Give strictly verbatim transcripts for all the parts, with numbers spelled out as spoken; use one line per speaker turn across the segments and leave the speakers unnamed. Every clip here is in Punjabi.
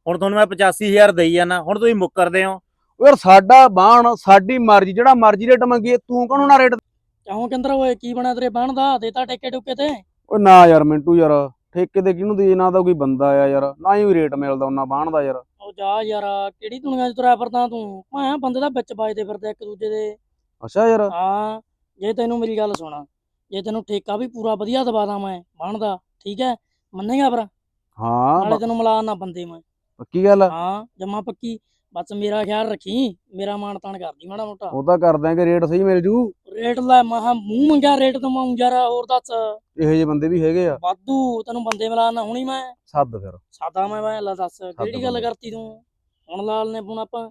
ਹੁਣ ਤੁਹਾਨੂੰ ਮੈਂ ਪਚਾਸੀ ਹਜ਼ਾਰ ਦੇਈ ਜਾਣਾ, ਹੁਣ ਤੁਸੀਂ ਮੁੱਕਰਦੇ ਹੋ।
ਯਾਰ ਸਾਡਾ ਬਾਣ ਸਾਡੀ ਮਰਜ਼ੀ, ਜਿਹੜਾ ਮਰਜ਼ੀ ਰੇਟ ਮੰਗੀਏ, ਤੂੰ ਕਾਹਨੂੰ ਨਾ ਰੇਟ।
ਕਿਉਂ ਕਿੰਦਰ ਓਏ ਕੀ ਬਣਾ ਤੇਰੇ ਬਾਣ ਦਾ? ਦੇਤਾ ਟੇਕੇ ਟੁਕੇ ਤੇ?
ਓਏ ਨਾ ਯਾਰ ਮਿੰਟੂ ਯਾਰ, ਠੇਕੇ ਤੇ ਕਿਹਨੂੰ ਦੇ, ਨਾ ਤਾਂ ਕੋਈ ਬੰਦਾ ਆ ਯਾਰ, ਨਾ ਹੀ ਰੇਟ ਮਿਲਦਾ ਉਹਨਾਂ ਬਾਣ ਦਾ ਯਾਰ।
ਉਹ ਜਾ ਯਾਰ, ਕਿਹੜੀ ਦੁਨੀਆ 'ਚ ਤੁਰਿਆ ਫਿਰਦਾ ਤੂੰ? ਮੈਂ ਬੰਦੇ ਦਾ ਵਿੱਚ ਵੱਜਦੇ ਫਿਰਦੇ ਇੱਕ ਦੂਜੇ ਦੇ।
ਅੱਛਾ ਯਾਰ।
ਹਾਂ, ਜੇ ਤੈਨੂੰ ਮੇਰੀ ਗੱਲ ਸੁਣਾ, ਜੇ ਤੈਨੂੰ ਠੇਕਾ ਵੀ ਪੂਰਾ ਵਧੀਆ ਦਵਾ ਦਾਂ ਮੈਂ ਬਾਣ ਦਾ, ਠੀਕ ਹੈ, ਮੰਨੇਗਾ ਫਿਰ?
ਹਾਂ
ਨਾਲੇ ਤੈਨੂੰ ਮਿਲਾ ਨਾ ਬੰਦੇ ਮੈਂ।
ਪੱਕੀ ਗੱਲ ਆ।
ਹਾਂ ਜਮਾ ਪੱਕੀ। ਬਸ ਮੇਰਾ ਖਿਆਲ ਰੱਖੀ, ਮੇਰਾ ਮਾਣ ਤਾਣ ਕਰਦੀ ਮਾੜਾ ਮੋਟਾ।
ਉਹ ਤਾਂ ਕਰ ਦਾਂਗੇ, ਰੇਟ ਸਹੀ ਮਿਲ ਜੂ।
ਰੇਟ ਲੈ ਮਹਾ ਮੂੰਹ ਮੰਗਿਆ ਰੇਟ ਦਵਾਂ ਯਾਰ, ਹੋਰ ਦੱਸ।
ਇਹੋ ਜਿਹੇ ਬੰਦੇ ਵੀ ਹੈਗੇ ਆ।
ਵਾਧੂ, ਤੈਨੂੰ ਬੰਦੇ ਮਿਲਾ ਨਾ ਹੁਣੀ ਮੈਂ।
ਸੱਦ ਫਿਰ।
ਸਾਦਾ ਮੈਂ ਮੈਂ ਲੈ ਦੱਸ ਕਿਹੜੀ ਗੱਲ
ਬੰਦੇ।
ਕਰਤੀ ਤੂੰ? ਹੁਣ ਲਾਲ ਨੇ ਫੋਨ ਆਪਾਂ।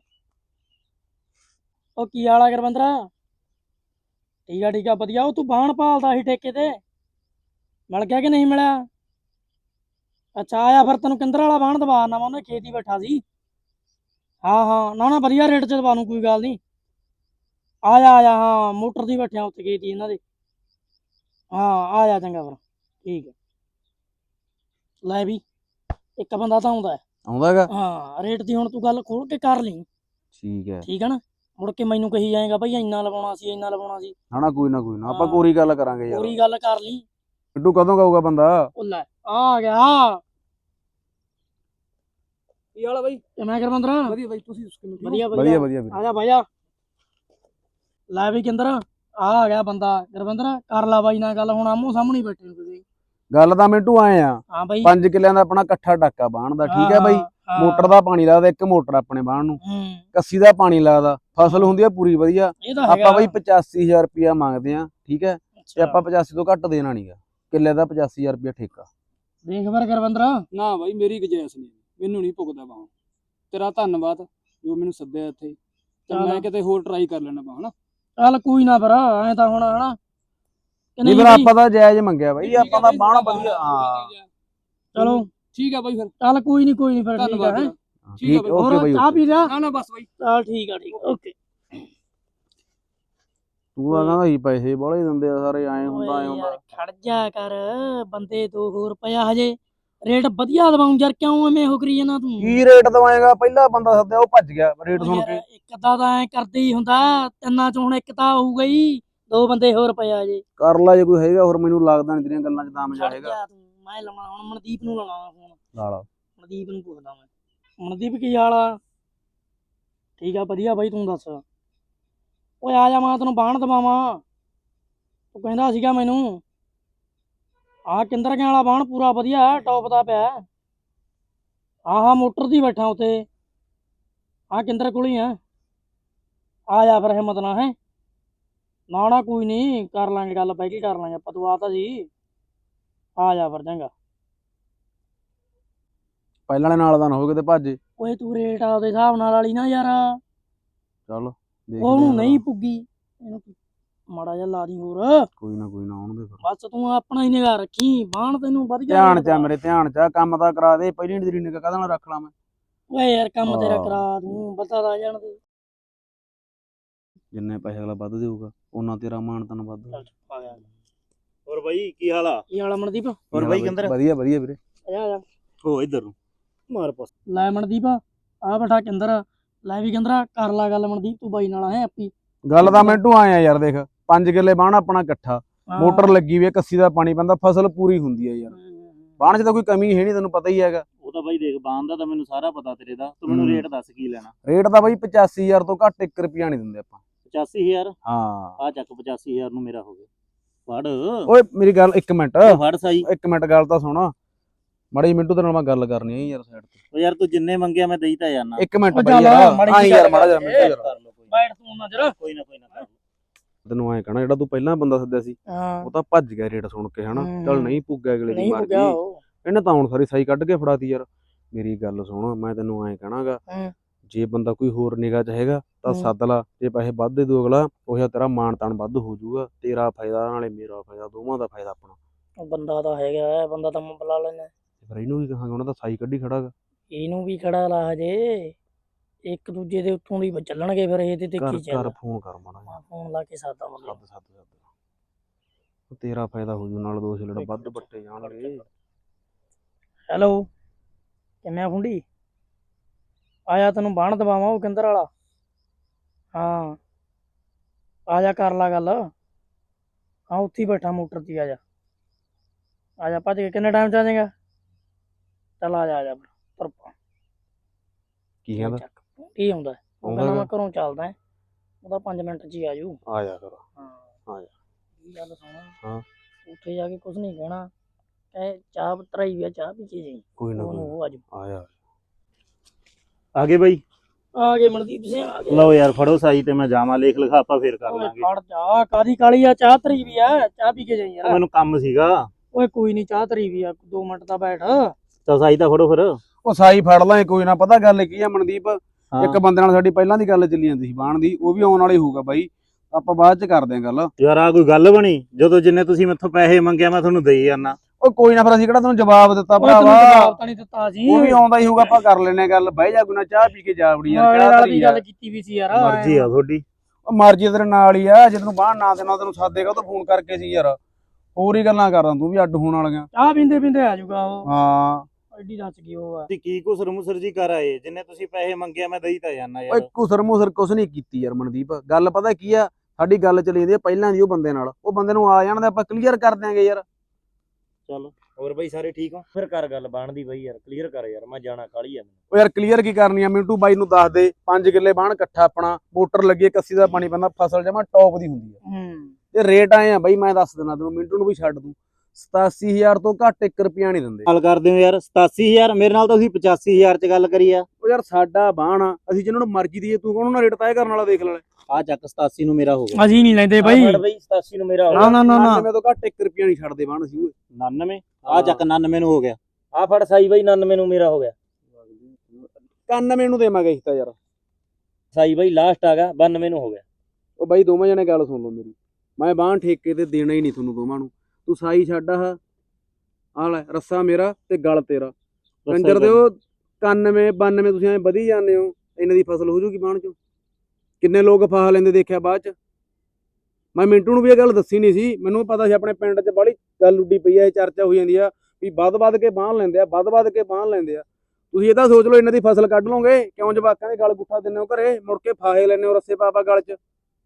ਉਹ ਕੀ ਹਾਲ ਆ ਗੁਰਵਿੰਦਰਾ? ਠੀਕ ਆ ਠੀਕ ਆ ਵਧੀਆ। ਉਹ ਤੂੰ ਬਾਣ ਭਾਲਦਾ ਸੀ ਠੇਕੇ ਤੇ, ਮਿਲ ਗਿਆ ਕਿ ਨਹੀਂ ਮਿਲਿਆ? ਅੱਛਾ ਆਇਆ ਫਿਰ, ਤੈਨੂੰ ਕਿੰਦਰ ਵਾਲਾ ਬਾਣ ਦਵਾ ਨਾ, ਮੈਂ ਉਹਨੇ ਖੇਤ ਹੀ ਬੈਠਾ ਸੀ। ਹਾਂ ਹਾਂ ਨਾ ਨਾ ਵਧੀਆ ਰੇਟ 'ਚ ਦਵਾ ਨੂੰ, ਕੋਈ ਗੱਲ ਨਹੀਂ। ਆ ਜਾ ਆ ਜਾ, ਹਾਂ ਮੋਟਰ ਦੀ ਬੈਠਿਆ ਉੱਥੇ ਖੇਤ ਹੀ ਇਹਨਾਂ ਦੇ। ਹਾਂ ਆ ਜਾ ਚੰਗਾ ਫਿਰ, ਠੀਕ ਹੈ। ਲੈ ਵੀ ਇੱਕ ਬੰਦਾ ਤਾਂ ਆਉਂਦਾ
ਆਉਂਦਾ ਹੈਗਾ।
ਹਾਂ, ਰੇਟ ਦੀ ਹੁਣ ਤੂੰ ਗੱਲ ਖੋਲ ਕੇ ਕਰ ਲਈ,
ਠੀਕ ਹੈ।
ਠੀਕ ਹੈ ਨਾ? ਮੁੜ ਕੇ ਮੈਨੂੰ ਕਹੀ ਜਾਏਗਾ ਬਈ ਇੰਨਾ ਲਵਾਉਣਾ ਸੀ ਇੰਨਾ ਲਵਾਉਣਾ ਸੀ।
ਨਾ ਨਾ ਕੋਈ ਨਾ ਕੋਈ ਨਾ, ਆਪਾਂ
ਹਾਂ।
ਕੋਰੀ ਗੱਲ ਕਰਾਂਗੇ ਯਾਰ।
ਪੂਰੀ ਗੱਲ ਕਰ ਲਈ।
ਮਿੰਟੂ ਕਦੋਂ ਕਹੂਗਾ ਬੰਦਾ?
ਉਹ ਲੈ ਆ ਗਿਆ।
ਕੀ ਹਾਲ ਆ ਬਾਈ?
ਕਿਵੇਂ ਗੁਰਵਿੰਦਰ?
ਵਧੀਆ ਬਾਈ, ਤੁਸੀਂ
ਵਧੀਆ
ਵਧੀਆ ਵਧੀਆ ਵੀਰੇ।
ਆ ਜਾ ਬਾਈ ਆ। ਲੈ ਵੀ ਕਿੰਦਰ ਆ ਆ ਗਿਆ ਬੰਦਾ। ਗੁਰਵਿੰਦਰ ਕਰ ਲਾ ਬਾਈ ਨਾਲ ਗੱਲ, ਹੁਣ ਆਮੋ ਸਾਹਮਣੇ ਬੈਠੇ ਹੋ ਤੁਸੀਂ।
ਗੱਲ ਤਾਂ ਮਿੰਟੂ ਆਏ ਆ,
ਹਾਂ ਬਾਈ।
ਪੰਜ ਕਿੱਲਿਆਂ ਦਾ ਆਪਣਾ ਇਕੱਠਾ ਟਾਕਾ ਬਾਣ ਦਾ, ਠੀਕ ਹੈ ਬਾਈ। ਮੋਟਰ ਦਾ ਪਾਣੀ ਲੱਗਦਾ, ਇੱਕ ਮੋਟਰ ਆਪਣੇ ਬਾਣ ਨੂੰ,
ਹੂੰ
ਕੱਸੀ ਦਾ ਪਾਣੀ ਲੱਗਦਾ, ਫਸਲ ਹੁੰਦੀ ਆ ਪੂਰੀ ਵਧੀਆ।
ਇਹ ਤਾਂ
ਆਪਾਂ ਬਾਈ ਪਚਾਸੀ ਹਜ਼ਾਰ ਰੁਪਇਆ ਮੰਗਦੇ ਆ, ਠੀਕ ਹੈ, ਤੇ
ਅੱਛਾ।
ਆਪਾਂ ਪਚਾਸੀ ਤੋਂ ਘੱਟ ਦੇਣਾ ਨਹੀਂਗਾ। ਕਿੱਲੇ ਦਾ ਪਚਾਸੀ ਹਜ਼ਾਰ ਰੁਪਇਆ ਠੇਕਾ।
ਦੇਖ ਫਿਰ ਗੁਰਵਿੰਦਰ।
ਨਾ ਬਾਈ, ਮੇਰੀ ਗੁਜਾਇਸ਼ ਨਹੀਂ, ਮੈਨੂੰ ਨਹੀਂ ਭੁਗਦਾ ਬਾਹ। ਤੇਰਾ ਧੰਨਵਾਦ ਜੋ ਮੈਨੂੰ ਸੱਦਿਆ ਇੱਥੇ, ਤੇ
ਚੱਲ।
ਮੈਂ ਕਿਤੇ ਹੋਰ ਟਰਾਈ ਕਰ ਲੈਣਾ ਬਾਹ ਨਾ।
ਚੱਲ ਕੋਈ ਨਾ ਫਿਰ, ਐ ਤਾਂ ਹੁਣ ਹਨਾ ਕਿ
ਨਹੀਂ
ਨਹੀਂ
ਫਿਰ
ਬਾਈ?
ਆਪਾਂ ਤਾਂ ਜਾਇਜ਼ ਮੰਗਿਆ ਬਾਈ,
ਠੀਕ ਆ
ਆਪਾਂ ਤਾਂ
ਬਾਈ,
ਬਾਣ
ਤੁਹਾਡਾ
ਵਧੀਆ। ਹਾਂ
ਚਲੋ
ਠੀਕ ਆ ਬਾਈ, ਫਿਰ
ਚੱਲ ਕੋਈ ਨਹੀਂ ਕੋਈ ਨਹੀਂ ਫਿਰ, ਠੀਕ
ਧੰਨਵਾਦ
ਹੈ।
ਤੇਰਾ। ਠੀਕ ਆ
ਠੀਕ
ਬਾਈ।
ਓਕੇ
ਹੋਰ
ਬਾਈ।
ਚਾਹ ਪੀ ਲਿਆ?
ਨਾ ਨਾ ਬਸ ਬਾਈ।
ਚੱਲ ਠੀਕ ਆ ਠੀਕ ਓਕੇ।
ਤੂੰ ਤਾਂ ਕਹਿੰਦਾ ਸੀ ਪੈਸੇ ਬਾਹਲੇ ਦਿੰਦੇ ਆ ਸਾਰੇ, ਐਂ ਹੁੰਦਾ ਐਂ ਹੁੰਦਾ।
ਖੜ ਜਾ ਕਰ, ਬੰਦੇ ਦੋ ਹੋਰ ਰੁਪਇਆ ਹਜੇ ਰੇਟ ਵਧੀਆ ਦਵਾਉਂ ਯਾਰ, ਕਿਉਂ ਐਵੇਂ ਹੋ ਕਰੀ ਜਾਂਦਾ ਤੂੰ?
ਕੀ ਰੇਟ ਦਵਾਏਗਾ? ਪਹਿਲਾ ਬੰਦਾ ਸੱਦਿਆ ਉਹ ਭੱਜ ਗਿਆ ਰੇਟ
ਉਹ
ਸੁਣ
ਯਾਰ
ਕੇ।
ਇੱਕ ਤਾਂ ਤਾਂ ਐ ਕਰਦੇ ਹੀ ਹੁੰਦਾ, ਤਿੰਨਾਂ ਚੋਂ ਹੁਣ ਇੱਕ ਤਾਂ ਹੋਊਗਾ ਹੀ, ਦੋ ਬੰਦੇ ਹੋਰ ਪਿਆ ਜੇ।
ਕਰ ਲਾ ਜੇ ਕੋਈ ਹੈਗਾ ਹੋਰ, ਮੈਨੂੰ ਲੱਗਦਾ ਨਹੀਂ ਤੇਰੀਆਂ ਗੱਲਾਂ 'ਚ ਦਮ
ਖੜ
ਜਾਏਗਾ।
ਜਾ ਤੂੰ, ਮੈਂ ਲਾਉਣਾ ਹੁਣ ਮਨਦੀਪ ਨੂੰ ਲਾਉਣਾ ਫੋਨ।
ਨਾਲ
ਮਨਦੀਪ ਨੂੰ ਪੁੱਛਦਾ ਮੈਂ। ਮਨਦੀਪ ਕੀ ਹਾਲ ਆ? ਠੀਕ ਆ ਵਧੀਆ ਬਾਈ, ਤੂੰ ਦੱਸ? ਓਏ ਆ ਜਾ, ਮੈਂ ਤੈਨੂੰ ਬਾਣ ਦਵਾਵਾਂ। ਤੂੰ ਕਹਿੰਦਾ ਸੀਗਾ ਮੈਨੂੰ ਆਹ ਕਿੰਦਰ ਗਿਆ ਵਾਲਾ ਬਾਣ ਪੂਰਾ ਵਧੀਆ ਟੌਪ ਦਾ ਪਿਆ। ਹਾਂ ਹਾਂ ਮੋਟਰ ਦੀ ਬੈਠਾ ਉੱਥੇ, ਹਾਂ ਕਿੰਦਰ ਕੋਲ ਹੀ ਆ। ਆ ਜਾ ਫਿਰ ਹਿੰਮਤ ਨਾ, ਹੈ ਨਾ ਨਾ ਕੋਈ ਨਹੀਂ, ਕਰ ਲਾਂਗੇ ਗੱਲ, ਬਹਿ ਕੇ ਕਰ ਲਾਂਗੇ ਆਪਾਂ। ਤੂੰ ਆ ਤਾਂ ਜੀ, ਆ ਜਾ ਫਿਰ ਚੰਗਾ।
ਪਹਿਲਾਂ ਵਾਲੇ ਨਾਲ ਦਾ ਨਾ ਹੋ ਕਿਤੇ ਭੱਜ।
ਓਏ ਤੂੰ ਰੇਟ ਆਪਦੇ ਹਿਸਾਬ ਨਾਲ ਵਾਲੀ ਨਾ ਯਾਰ,
ਚੱਲ
ਉਹਨੂੰ
ਦੇਖਦੇ
ਨਹੀਂ
ਆ।
ਪੁੱਗੀ, ਇਹਨੂੰ ਮਾੜਾ ਜਿਹਾ ਲਾ ਦੀ ਹੋਰ।
ਕੋਈ ਨਾ ਕੋਈ ਨਾ, ਆਉਣ ਦੇ ਫਿਰ।
ਬਸ ਤੂੰ ਆਪਣਾ ਹੀ ਨਿਗਾਹ ਰੱਖੀ, ਬਾਣ ਤੈਨੂੰ ਵਧੀਆ
ਧਿਆਨ
ਰੇਟ
ਚ ਆ
ਦਵਾ।
ਮੇਰੇ, ਧਿਆਨ ਚ ਆ, ਕੰਮ ਤਾਂ ਕਰਾ ਦੇ। ਪਹਿਲੀ ਤੇਰੀ ਨਿਗਾਹ ਕਾਹਦੇ ਨਾਲ ਰੱਖ ਲਾ ਮੈਂ?
ਓਏ ਯਾਰ ਕੰਮ ਤੇਰਾ
ਹਾਂ।
ਕਰਾ ਦੂੰ, ਪਤਾ ਲਾ ਜਾਣ ਦੇ।
ਜਿੰਨੇ ਪੈਸੇ ਅਗਲਾ ਵੱਧ ਦੇਊਗਾ ਉਹਨਾਂ ਤੇਰਾ ਮਾਣ ਤਨ ਵੱਧ।
ਚੱਲ ਆ ਗਿਆ।
ਹੋਰ ਬਾਈ ਕੀ ਹਾਲ ਆ?
ਕੀ ਹਾਲ ਆ ਮਨਦੀਪ?
ਹੋਰ ਬਾਈ ਕਿੰਦਰ?
ਵਧੀਆ ਵਧੀਆ ਵੀਰੇ।
ਆ ਜਾ
ਹੋ ਇੱਧਰ ਨੂੰ ਮਾਰ ਪਾਸ।
ਲੈ ਮਨਦੀਪ ਆ ਬੈਠਾ ਕਿੰਦਰ। ਲੈ ਵੀ ਕਿੰਦਰਾ ਕਰ ਲਾ ਗੱਲ ਮਨਦੀਪ, ਤੂੰ ਬਾਈ ਨਾਲ ਹੈ ਆਪੀ।
ਗੱਲ ਤਾਂ ਮਿੰਟੂ ਆਏ ਆ ਯਾਰ, ਦੇਖ ਪੰਜ ਕਿੱਲੇ ਬਾਣ ਆਪਣਾ ਇਕੱਠਾ, ਮੋਟਰ ਲੱਗੀ ਵੀ ਹੈ, ਕੱਸੀ ਦਾ ਪਾਣੀ ਪੈਂਦਾ, ਫਸਲ ਪੂਰੀ ਹੁੰਦੀ ਹੈ ਯਾਰ। ਬਾਣ 'ਚ ਤਾਂ ਕੋਈ ਕਮੀ ਹੈ ਨਹੀਂ, ਤੈਨੂੰ ਪਤਾ ਹੀ ਹੈਗਾ।
ਉਹ ਤਾਂ ਬਾਈ ਦੇਖ, ਬਾਣ ਦਾ ਤਾਂ ਮੈਨੂੰ ਸਾਰਾ ਪਤਾ ਤੇਰੇ ਦਾ, ਤੂੰ ਮੈਨੂੰ
ਹੂੰ।
ਰੇਟ ਦੱਸ ਕੀ ਲੈਣਾ?
ਰੇਟ ਤਾਂ ਬਾਈ ਪਚਾਸੀ ਹਜ਼ਾਰ ਤੋਂ ਘੱਟ ਇੱਕ ਰੁਪਿਆ ਨਹੀਂ ਦਿੰਦੇ ਆਪਾਂ।
ਪਚਾਸੀ ਹਜ਼ਾਰ?
ਹਾਂ
ਆ ਚੱਕ ਪਚਾਸੀ ਹਜ਼ਾਰ ਨੂੰ ਮੇਰਾ ਹੋ ਗਿਆ। ਫੜ
ਓਏ ਮੇਰੀ ਗੱਲ ਇੱਕ ਮਿੰਟ,
ਫੜ ਸਾਈ।
ਇੱਕ ਮਿੰਟ ਗੱਲ ਤਾਂ ਸੁਣ ਮਾੜੀ ਮਿੰਟੂ, ਤੇਰੇ ਨਾਲ ਮੈਂ ਗੱਲ ਕਰਨੀ ਹੈ ਯਾਰ ਸਾਈਡ ਤੇ।
ਉਹ ਯਾਰ ਤੂੰ ਜਿੰਨੇ ਮੰਗਿਆ ਮੈਂ ਦੇਈ ਤਾਂ ਜਾਣਾ।
ਇੱਕ ਮਿੰਟ
ਉਹ
ਬਾਈ
ਚੱਲ
ਯਾਰ,
ਮਾੜੀ
ਆਈ
ਜਿਹੀ
ਯਾਰ
ਗੱਲ
ਮਾੜਾ ਜਿਹਾ
ਕਰ।
ਮਿੰਟੂ ਯਾਰ।
ਕਰ ਲਓ ਕੋਈ ਨਾ,
ਬੈਠ ਤੂੰ ਨਾ ਜਰਾ।
ਕੋਈ ਨਾ ਕੋਈ ਨਾ ਕਰ ਲਓ।
ਤੈਨੂੰ ਐਂ ਕਹਣਾ, ਜਿਹੜਾ ਤੂੰ ਪਹਿਲਾਂ ਬੰਦਾ ਸੱਦਿਆ ਸੀ
ਹਾਂ
ਉਹ ਤਾਂ ਭੱਜ ਗਿਆ ਰੇਟ ਸੁਣ ਕੇ, ਹਨਾ। ਚੱਲ ਨਹੀਂ ਪੁੱਗਿਆ ਅਗਲੇ ਦੀ
ਨਹੀਂ
ਮਰਜ਼ੀ,
ਪੁੱਗਿਆ ਉਹ।
ਇਹਨੇ ਤਾਂ ਹੁਣ ਸਾਰੀ ਸਾਈ ਕੱਢ ਕੇ ਫੜਾਤੀ ਯਾਰ। ਮੇਰੀ ਗੱਲ ਸੁਣ, ਮੈਂ ਤੈਨੂੰ ਐਂ ਕਹਣਾਗਾ,
ਹੂੰ।
ਜੇ ਬੰਦਾ ਕੋਈ ਹੋਰ ਨਿਗਾਹ 'ਚ ਹੈਗਾ ਤਾਂ
ਹੂੰ।
ਸੱਦ ਲਾ। ਜੇ ਪੈਸੇ ਵੱਧ ਦੇ ਦੂ ਅਗਲਾ, ਉਹ ਜਿਹਾ ਤੇਰਾ ਮਾਣ ਤਾਣ ਵੱਧ ਹੋ ਜਾਊਗਾ, ਤੇਰਾ ਫਾਇਦਾ ਨਾਲੇ ਮੇਰਾ ਫਾਇਦਾ, ਦੋਵਾਂ ਦਾ ਫਾਇਦਾ ਆਪਣਾ।
ਉਹ ਬੰਦਾ ਤਾਂ ਹੈਗਾ, ਬੰਦਾ ਤਾਂ ਮੈਂ ਬੁਲਾ ਲੈਣਾ।
ਫਿਰ ਇਹਨੂੰ ਵੀ ਕਹਾਂਗੇ, ਉਹਨਾਂ ਦਾ ਸਾਈ ਕੱਢੀ ਖੜਾਗਾ।
ਇਹਨੂੰ ਵੀ ਖੜਾ ਲਾ ਹਜੇ, ਇੱਕ ਦੂਜੇ ਦੇ ਉੱਤੋਂ ਦੀ ਚੱਲਣਗੇ ਫਿਰ ਇਹਦੇ ਤੇ
ਕਰ
ਕੀ ਚੱਲ।
ਕਰ ਫੋਨ ਕਰ ਮਾੜਾ ਜਿਹਾ।
ਫੋਨ ਲਾ ਕੇ ਸਾਦਾ ਮੁੰਡੇ
ਸੱਦ ਸੱਦ ਸੱਦ, ਤੇਰਾ ਫਾਇਦਾ ਹੋ ਜੂ, ਨਾਲ ਦੋ ਛਿਲੜ ਵੱਧ ਪੱਟੇ ਜਾਣਗੇ।
ਹੈਲੋ ਕਿਵੇਂ ਆ ਫੁੰਡੀ? ਆਇਆ ਤੈਨੂੰ ਬਾਣ ਦਵਾਵਾਂ ਉਹ ਕਿੰਦਰ ਵਾਲਾ। ਹਾਂ ਆ ਜਾ ਕਰ ਲਾ ਗੱਲ। ਹਾਂ ਉੱਥੇ ਹੀ ਬੈਠਾ ਮੋਟਰ 'ਤੇ ਆ ਜਾ ਆ ਜਾ ਭੱਜ ਕੇ। ਕਿੰਨੇ ਟਾਈਮ 'ਚ ਆ ਜਾਏਗਾ? ਚੱਲ ਆ ਜਾ ਆ ਜਾ ਤੁਰ ਪਾ।
ਕੀ ਕਹਿੰਦਾ?
ਚੱਕ ਕੀ ਆਉਂਦਾ ਉਹ
ਆਉਂਦਾ
ਕਹਿੰਦਾ ਮੈਂ
ਗਾ।
ਘਰੋਂ ਚੱਲਦਾ ਉਹਦਾ ਪੰਜ ਮਿੰਟ 'ਚ ਹੀ ਆ ਜੂ।
ਆ ਜਾ ਫਿਰ।
ਹਾਂ
ਆ ਜਾ।
ਕੀ ਗੱਲ ਸੁਣ।
ਹਾਂ।
ਉੱਥੇ ਜਾ ਕੇ ਕੁਝ ਨਹੀਂ ਕਹਿਣਾ, ਕਹੇ ਚਾਹ ਧਰਾਈ ਵੀ ਆ ਚਾਹ ਪੀ ਕੇ ਜਾਈ।
ਕੋਈ ਨਾ
ਉਹਨੂੰ
ਕੋਈ
ਉਹ ਆ ਜੂ।
ਨਾ। ਆ ਜਾ।
ਆ ਗਏ ਬਾਈ?
ਆ ਗਏ ਮਨਦੀਪ ਸਿੰਘ ਆ ਗਏ।
ਲਓ ਯਾਰ ਫੜੋ ਸਾਈ ਤੇ ਮੈਂ ਜਾਵਾਂ, ਲੇਖ ਲਿਖਾ ਆਪਾਂ ਫੇਰ ਕਰ
ਓਏ
ਲਾਂਗੇ।
ਖੜ ਜਾ ਕਾਦੀ ਕਾਲੀ ਆ, ਚਾਹ ਧਰੀ ਵੀ ਆ ਚਾਹ ਪੀ ਕੇ ਜਾਈ ਯਾਰ।
ਮੈਨੂੰ ਕੰਮ ਸੀਗਾ।
ਓਏ ਕੋਈ ਨਹੀਂ ਚਾਹ ਧਰੀ ਵੀ ਆ, ਦੋ ਮਿੰਟ ਤਾਂ ਬੈਠ।
ਤਾਂ ਸਾਈ ਤਾਂ ਫੜੋ ਫਿਰ।
ਉਹ ਸਾਈ ਫੜ ਲਾਂ ਕੋਈ ਨਾ। ਪਤਾ ਗੱਲ ਕੀ ਆ ਮਨਦੀਪ,
ਹਾਂ।
ਇੱਕ ਬੰਦੇ ਨਾਲ ਸਾਡੀ ਪਹਿਲਾਂ ਦੀ ਗੱਲ ਚੱਲੀ ਜਾਂਦੀ ਸੀ ਬਾਣ ਦੀ, ਉਹ ਵੀ ਆਉਣ ਵਾਲੀ ਹੋਊਗਾ ਬਾਈ, ਆਪਾਂ ਬਾਅਦ ਚ ਕਰਦੇ ਆਂ ਗੱਲ।
ਯਾਰ ਆ ਕੋਈ ਗੱਲ ਬਣੀ? ਜਦੋਂ ਜਿੰਨੇ ਤੁਸੀਂ ਮੈਥੋਂ ਪੈਸੇ ਮੰਗਿਆ ਮੈਂ ਤੁਹਾਨੂੰ ਦੇਈ ਜਾਣਾ।
ਉਹ ਕੋਈ ਨਾ ਫਿਰ ਅਸੀਂ ਕਿਹੜਾ ਤੈਨੂੰ ਜਵਾਬ ਦਿੱਤਾ
ਓਏ ਤੈਨੂੰ
ਭਰਾਵਾ।
ਜਵਾਬ ਤਾਂ ਨਹੀਂ ਦਿੱਤਾ ਜੀ।
ਉਹ ਵੀ ਆਉਂਦਾ ਹੀ ਹੋਊਗਾ, ਆਪਾਂ ਕਰ ਲੈਨੇ ਗੱਲ। ਬਹਿ ਜਾ ਕੋਈ ਨਾ, ਚਾਹ ਪੀ ਕੇ ਜਾ ਵੜੀ ਯਾਰ।
ਨਾਲੇ
ਚਾਹ
ਨਾਲ
ਧਰੀ
ਵੀ
ਯਾਰ।
ਗੱਲ ਕੀਤੀ ਵੀ ਸੀ ਯਾਰ।
ਮਰਜ਼ੀ ਆ ਤੁਹਾਡੀ।
ਉਹ ਮਰਜ਼ੀ ਤੇਰੇ ਨਾਲ ਹੀ ਆ, ਜੇ ਤੈਨੂੰ ਬਾਹਰ ਨਾ ਦੇਣਾ ਤੈਨੂੰ ਸਾਦੇਗਾ ਉਹ ਫੋਨ ਕਰਕੇ ਸੀ ਯਾਰ। ਹੋਰ ਹੀ ਗੱਲਾਂ ਕਰਦਾ ਤੂੰ ਵੀ ਅੱਡ ਹੋਣ ਵਾਲੀਆਂ।
ਚਾਹ ਪੀਂਦੇ ਪੀਂਦੇ ਆ ਜਾਊਗਾ ਉਹ।
ਹਾਂ
ਐਡੀ ਦੱਸ ਗਈ ਉਹ ਆ।
ਤੁਸੀਂ ਕੀ ਕੁਸਰ ਮੁਸਰ ਜੀ ਕਰ ਆਏ? ਜਿੰਨੇ ਤੁਸੀਂ ਪੈਸੇ ਮੰਗਿਆ ਮੈਂ ਦੇਈ ਤਾਂ ਜਾਣਾ
ਓਏ
ਯਾਰ।
ਕੁਸਰ ਮੁਸਰ ਕੁਛ ਨਹੀਂ ਕੀਤੀ ਯਾਰ ਮਨਦੀਪ। ਗੱਲ ਪਤਾ ਕੀ ਆ, ਸਾਡੀ ਗੱਲ ਚੱਲੀ ਜਾਂਦੀ ਆ ਪਹਿਲਾਂ ਦੀ ਉਹ ਬੰਦੇ ਨਾਲ। ਉਹ ਬੰਦੇ ਨੂੰ ਆ ਜਾਣ ਦੇ, ਆਪਾਂ ਕਲੀਅਰ ਕਰ ਦਿਆਂਗੇ ਯਾਰ।
ਚੱਲ ਹੋਰ ਬਾਈ ਸਾਰੇ ਠੀਕ ਹੋ? ਫਿਰ ਕਰ ਗੱਲ ਬਣਦੀ ਬਾਈ ਯਾਰ, ਕਲੀਅਰ ਕਰ ਯਾਰ, ਮੈਂ ਜਾਣਾ ਕਾਲੀ ਆ ਮੈਨੂੰ।
ਉਹ ਯਾਰ ਕਲੀਅਰ ਕੀ ਕਰਨੀ ਆ, ਮਿੰਟੂ ਬਾਈ ਨੂੰ ਦੱਸ ਦੇ। ਪੰਜ ਕਿੱਲੇ ਬਾਣ ਇਕੱਠਾ ਆਪਣਾ, ਮੋਟਰ ਲੱਗੀ, ਕੱਸੀ ਦਾ ਪਾਣੀ ਪੈਂਦਾ, ਫਸਲ ਜਮਾ ਟੌਪ ਦੀ ਹੁੰਦੀ ਆ।
ਹੂੰ
ਤੇ ਰੇਟ ਆਏ ਆ ਬਾਈ, ਮੈਂ ਦੱਸ ਦਿੰਦਾ ਤੈਨੂੰ, ਮਿੰਟੂ ਨੂੰ ਵੀ ਛੱਡ ਦੂੰ। ਸਤਾਸੀ ਹਜ਼ਾਰ ਤੋਂ ਘੱਟ ਇੱਕ ਰੁਪਿਆ ਨਹੀਂ ਦਿੰਦੇ।
ਗੱਲ ਕਰਦੇ ਹੋ ਯਾਰ ਸਤਾਸੀ ਹਜ਼ਾਰ? ਮੇਰੇ ਨਾਲ ਤਾਂ ਤੁਸੀਂ ਪਚਾਸੀ ਹਜ਼ਾਰ ਚ ਗੱਲ ਕਰੀ ਆ।
ਉਹ ਯਾਰ ਸਾਡਾ ਬਾਣ ਆ, ਅਸੀਂ ਜਿਹਨਾਂ ਨੂੰ ਮਰਜ਼ੀ ਦੀਏ, ਤੂੰ ਕੌਣ ਨਾ ਰੇਟ ਤੈਅ ਕਰਨ ਵਾਲਾ ਦੇਖ ਲੈ।
ਆ ਚੱਕ ਸਤਾਸੀ ਨੂੰ ਮੇਰਾ ਹੋ ਗਿਆ।
ਅਸੀਂ ਨਹੀਂ ਲੈਂਦੇ ਬਾਈ।
ਬਾਈ ਸਤਾਸੀ ਨੂੰ ਮੇਰਾ ਹੋ
ਨਾ
ਗਿਆ।
ਨਾ ਨਾ ਨਾ
ਮੈਂ ਤੋਂ ਘੱਟ ਇੱਕ ਰੁਪਿਆ ਨਹੀਂ ਛੱਡਦੇ ਬਾਣ ਅਸੀਂ ਓਏ।
ਉਨਾਨਵੇਂ। ਆ ਚੱਕ ਉਨਾਨਵੇਂ ਨੂੰ ਹੋ ਗਿਆ।
ਆ ਫੜ ਸਾਈ ਬਾਈ ਉਨਾਨਵੇਂ ਨੂੰ ਮੇਰਾ ਹੋ ਗਿਆ।
ਇਕਾਨਵੇਂ ਨੂੰ ਦੇਵਾਂਗੇ ਅਸੀਂ ਤਾਂ ਯਾਰ।
ਸਾਈ ਬਾਈ ਲਾਸਟ ਆ ਗਿਆ ਬਾਨਵੇਂ ਨੂੰ ਹੋ ਗਿਆ।
ਉਹ ਬਾਈ ਦੋਵਾਂ ਜਣੇ ਗੱਲ ਸੁਣ ਲਓ ਮੇਰੀ, ਮੈਂ ਬਾਣ ਠੇਕੇ ਤੇ ਦੇਣਾ ਹੀ ਨਹੀਂ ਤੁਹਾਨੂੰ ਦੋਵਾਂ ਨੂੰ। ਤੂੰ ਸਾਈ ਛੱਡ ਆਹ ਆ ਲੈ, ਰੱਸਾ ਮੇਰਾ ਤੇ ਗਲ ਤੇਰਾ। ਕੰਜਰ ਦੇ ਉਹ ਇਕਾਨਵੇਂ ਬਾਨਵੇਂ ਤੁਸੀਂ ਐਂ ਵਧੀ ਜਾਂਦੇ ਹੋ। ਇਹਨਾਂ ਦੀ ਫਸਲ ਹੋ ਜੂਗੀ ਬਾਣ ਚੋਂ। ਕਿੰਨੇ ਲੋਕ ਫਾਹ ਲੈਂਦੇ ਦੇਖਿਆ ਬਾਅਦ ਚ। ਮੈਂ ਮਿੰਟੂ ਨੂੰ ਵੀ ਇਹ ਗੱਲ ਦੱਸੀ ਨਹੀਂ ਸੀ, ਮੈਨੂੰ ਪਤਾ ਸੀ ਆਪਣੇ ਪਿੰਡ 'ਚ ਬੜੀ ਗੱਲ ਉੱਡੀ ਪਈ ਆ, ਇਹ ਚਰਚਾ ਹੋਈ ਜਾਂਦੀ ਆ ਵੀ ਵੱਧ ਵੱਧ ਕੇ ਬਾਂਹ ਲੈਂਦੇ ਆ, ਵੱਧ ਵੱਧ ਕੇ ਬਾਂਹ ਲੈਂਦੇ ਆ। ਤੁਸੀਂ ਇਹ ਤਾਂ ਸੋਚ ਲਓ ਇਹਨਾਂ ਦੀ ਫਸਲ ਕੱਢ ਲਓਗੇ, ਕਿਉਂ ਜਵਾਕਾਂ ਦੇ ਗਲ ਗੁੱਠਾ ਦਿੰਦੇ ਹੋ ਘਰੇ, ਮੁੜ ਕੇ ਫਾਹੇ ਲੈਂਦੇ ਹੋ ਰੱਸੇ ਪਾ ਪਾ ਗਲ 'ਚ।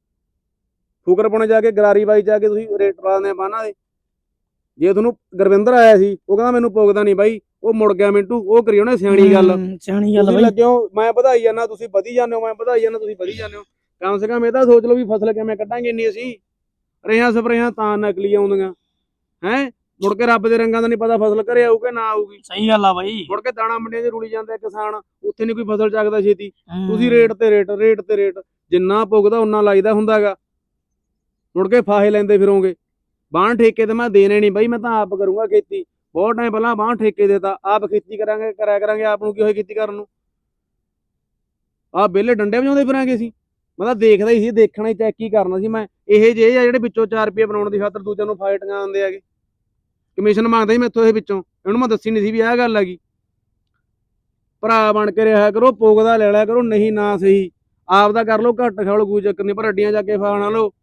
ਫੁਕਰ ਪੁਣੇ ਜਾ ਕੇ ਗਰਾਰੀ ਬਾਈ ਜਾ ਕੇ ਤੁਸੀਂ ਰੇਟ ਲਾਉਂਦੇ ਬਾਂਹਾਂ ਦੇ। ਜੇ ਤੁਹਾਨੂੰ ਗੁਰਵਿੰਦਰ ਆਇਆ ਸੀ, ਉਹ ਕਹਿੰਦਾ ਮੈਨੂੰ ਪੁੱਗਦਾ ਨਹੀਂ ਬਾਈ, ਉਹ ਮੁੜ ਗਿਆ ਮਿੰਟੂ, ਉਹ ਕਰੀ ਉਹਨੇ ਸਿਆਣੀ ਗੱਲ।
ਹੂੰ, ਸਿਆਣੀ ਗੱਲ
ਤੁਸੀਂ
ਬਾਈ।
ਲੱਗੇ ਹੋ ਮੈਂ ਵਧਾਈ ਜਾਂਦਾ, ਤੁਸੀਂ ਵਧੀ ਜਾਂਦੇ ਹੋ, ਮੈਂ ਵਧਾਈ ਜਾਂਦਾ, ਤੁਸੀਂ ਵਧੀ ਜਾਂਦੇ ਹੋ। ਕਮ ਸੇ ਕਮ ਇਹ ਤਾਂ ਸੋਚ ਲਓ ਵੀ ਫਸਲ ਕਿਵੇਂ ਕੱਢਾਂਗੇ ਇੰਨੀ ਅਸੀਂ। ਰੇਹਾਂ ਸਪਰੇਹਾਂ ਤਾਂ ਨਕਲੀ ਆਉਂਦੀਆਂ ਹੈ, ਮੁੜ ਕੇ ਰੱਬ ਦੇ ਰੰਗਾਂ ਦਾ ਨਹੀਂ ਪਤਾ ਫਸਲ ਘਰੇ ਆਊ ਕਿ ਨਾ ਆਊਗੀ।
ਸਹੀ ਗੱਲ ਆ ਬਾਈ।
ਮੁੜ ਕੇ ਦਾਣਾ ਮੰਡੀਆਂ 'ਚ ਰੁਲੀ ਜਾਂਦੇ ਆ ਕਿਸਾਨ, ਉੱਥੇ ਨਹੀਂ ਕੋਈ ਫਸਲ ਚੱਕਦਾ ਛੇਤੀ।
ਹੂੰ।
ਤੁਸੀਂ ਰੇਟ ਤੇ ਰੇਟ, ਰੇਟ ਤੇ ਰੇਟ, ਜਿੰਨਾ ਪੁੱਗਦਾ ਉਨਾ ਲਾਈਦਾ ਹੁੰਦਾਗਾ। ਮੁੜ ਕੇ ਫਾਹੇ ਲੈਂਦੇ ਫਿਰੋਂਗੇ। ਬਾਣ ਠੇਕੇ ਤੇ ਮੈਂ ਦੇਣੇ ਨਹੀਂ ਬਾਈ, ਮੈਂ ਤਾਂ ਆਪ ਕਰੂੰਗਾ ਖੇਤੀ। ਬਹੁਤ ਟਾਈਮ ਪਹਿਲਾਂ ਬਾਣ ਠੇਕੇ ਦੇਤਾ, ਆਪ ਖੇਤੀ ਕਰਾਂਗੇ, ਕਰਿਆ ਕਰਾਂਗੇ। ਆਪ ਨੂੰ ਕੀ ਹੋਏ ਖੇਤੀ ਕਰਨ ਨੂੰ? ਆਹ ਵਿਹਲੇ ਡੰਡੇ ਵਜਾਉਂਦੇ ਫਿਰਾਂਗੇ ਅਸੀਂ। ਮੈਂ ਤਾਂ ਦੇਖਦਾ ਹੀ ਸੀ, ਦੇਖਣਾ ਹੀ, ਚੈੱਕ ਹੀ ਕਰਨਾ ਸੀ ਮੈਂ। ਇਹ ਜਿਹੇ ਆ ਜਿਹੜੇ ਵਿੱਚੋਂ ਚਾਰ ਰੁਪਏ ਬਣਾਉਣ ਦੀ ਖਾਤਰ ਦੂਜਿਆਂ ਨੂੰ ਫਾਈਟਾਂ ਆਉਂਦੇ ਹੈਗੇ, ਕਮਿਸ਼ਨ ਮੰਗਦਾ ਸੀ ਮੈਥੋਂ ਇਹ ਵਿੱਚੋਂ। ਇਹਨੂੰ ਮੈਂ ਦੱਸੀ ਨਹੀਂ ਸੀ ਵੀ ਆਹ ਗੱਲ ਹੈਗੀ। ਭਰਾ ਬਣ ਕੇ ਰਿਹਾ ਕਰੋ, ਪੁੱਗਦਾ ਲੈ ਲਿਆ ਕਰੋ, ਨਹੀਂ ਨਾ ਸਹੀ। ਆਪ ਦਾ ਕਰ ਲਓ, ਘੱਟ ਖਾ ਲਓ, ਕੋਈ ਚੱਕਰ ਨਹੀਂ, ਪਰ ਅੱਡੀਆਂ ਜਾ ਕੇ ਫਾ ਨਾ ਲਓ।